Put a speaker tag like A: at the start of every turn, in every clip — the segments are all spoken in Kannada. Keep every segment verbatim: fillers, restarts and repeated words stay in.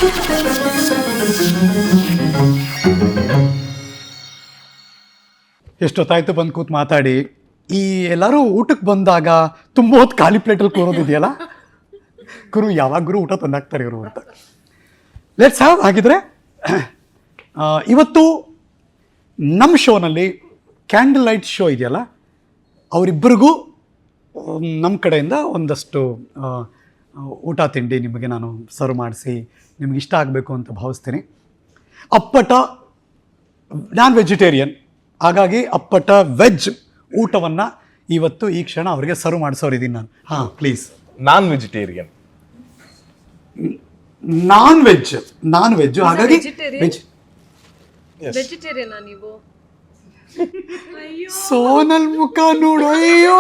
A: ಎಷ್ಟೊತ್ತಾಯ್ತು ಬಂದು ಕೂತ್ ಮಾತಾಡಿ. ಈ ಎಲ್ಲರೂ ಊಟಕ್ಕೆ ಬಂದಾಗ ತುಂಬ ಹೊತ್ತು ಖಾಲಿ ಪ್ಲೇಟಲ್ಲಿ ಕೂರೋದಿದೆಯಲ್ಲ, ಗುರು ಯಾವಾಗ ಗುರು ಊಟ ತಂದಾಕ್ತಾರೆ ಇವರು ಅಂತ. Let's have. ಹಾಗಿದ್ರೆ ಇವತ್ತು ನಮ್ಮ ಶೋನಲ್ಲಿ ಕ್ಯಾಂಡಲ್ ಲೈಟ್ ಶೋ ಇದೆಯಲ್ಲ, ಅವರಿಬ್ಬರಿಗೂ ನಮ್ಮ ಕಡೆಯಿಂದ ಒಂದಷ್ಟು ಊಟ ತಿಂಡಿ ನಿಮಗೆ ನಾನು ಸರ್ವ್ ಮಾಡಿಸಿ ನಿಮ್ಗೆ ಇಷ್ಟ ಆಗಬೇಕು ಅಂತ ಭಾವಿಸ್ತೀನಿ. ಅಪ್ಪಟ ನಾನ್ ವೆಜಿಟೇರಿಯನ್, ಹಾಗಾಗಿ ಅಪ್ಪಟ ವೆಜ್ ಊಟವನ್ನು ಇವತ್ತು ಈ ಕ್ಷಣ ಅವರಿಗೆ ಸರ್ವ್ ಮಾಡಿಸೋರಿದ್ದೀನಿ ನಾನು. ಹಾಂ please.
B: Non vegetarian.
A: Non veg non veg ಹಾಗಾಗಿ ವೆಜ್.
C: ವೆಜಿಟೇರಿಯನ್ ನೀವು?
A: ಸೋನಲ್ ಮುಖ ನೋಡು, ಅಯ್ಯೋ.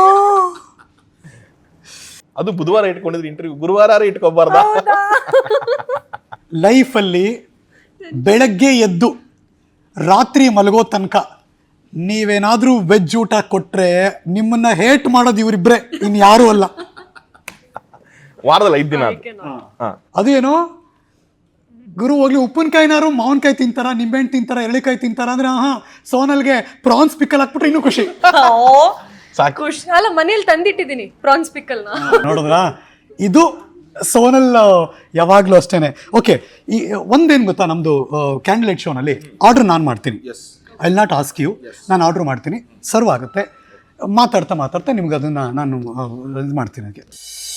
B: ಅದು ಬುಧವಾರ ಇಟ್ಕೊಂಡಿದ್ರೆ ಇಂಟರ್ವ್ಯೂ ಗುರುವಾರ ಇಟ್ಕೋಬಾರ್ದ?
A: ಲೈಫಲ್ಲಿ ಬೆಳಗ್ಗೆ ಎದ್ದು ರಾತ್ರಿ ಮಲಗೋ ತನಕ ನೀವೇನಾದ್ರೂ ವೆಜ್ ಊಟ ಕೊಟ್ರೆ ನಿಮ್ಮನ್ನ ಹೇಟ್ ಮಾಡೋದು ಇವರಿಬ್ರೆ, ಇನ್ ಯಾರು ಅಲ್ಲ.
B: ವಾರದಲ್ಲಿ ಐದ್ ದಿನ.
A: ಅದು ಏನೋ ಗುರು ಹೋಗ್ಲಿ ಉಪ್ಪಿನಕಾಯಿನಾರು ಮಾವಿನಕಾಯಿ ತಿಂತಾರ, ನಿಂಬೆಹಣ್ಣು ತಿಂತಾರ, ಎಳ್ಳಿಕಾಯಿ ತಿಂತಾರ ಅಂದ್ರೆ ಹಾ ಸೋನಲ್ಗೆ ಪ್ರಾನ್ಸ್ ಪಿಕ್ಕಲ್ ಹಾಕ್ಬಿಟ್ರೆ ಇನ್ನೂ ಖುಷಿ.
C: ಖುಷಿ ಅಲ್ಲ, ಮನೇಲಿ ತಂದಿಟ್ಟಿದ್ದೀನಿ ಪ್ರಾನ್ಸ್ ಪಿಕ್ಕಲ್ನ.
A: ನೋಡಿದ್ರ, ಇದು ಸೋನಲ್ ಯಾವಾಗ್ಲೂ ಅಷ್ಟೇನೆ. ಓಕೆ, ಈ ಒಂದೇನು ಗೊತ್ತಾ, ನಮ್ದು ಕ್ಯಾಂಡಲ್ ಶೋನಲ್ಲಿ ಆರ್ಡರ್ ನಾನು ಮಾಡ್ತೀನಿ. I will not ask you. ನಾನು ಆರ್ಡರ್ ಮಾಡ್ತೀನಿ, ಸರ್ವ್ ಆಗುತ್ತೆ. ಮಾತಾಡ್ತಾ ಮಾತಾಡ್ತಾ ನಿಮ್ಗೆ ಅದನ್ನು ನಾನು ಇದು ಮಾಡ್ತೀನಿ. ಅದಕ್ಕೆ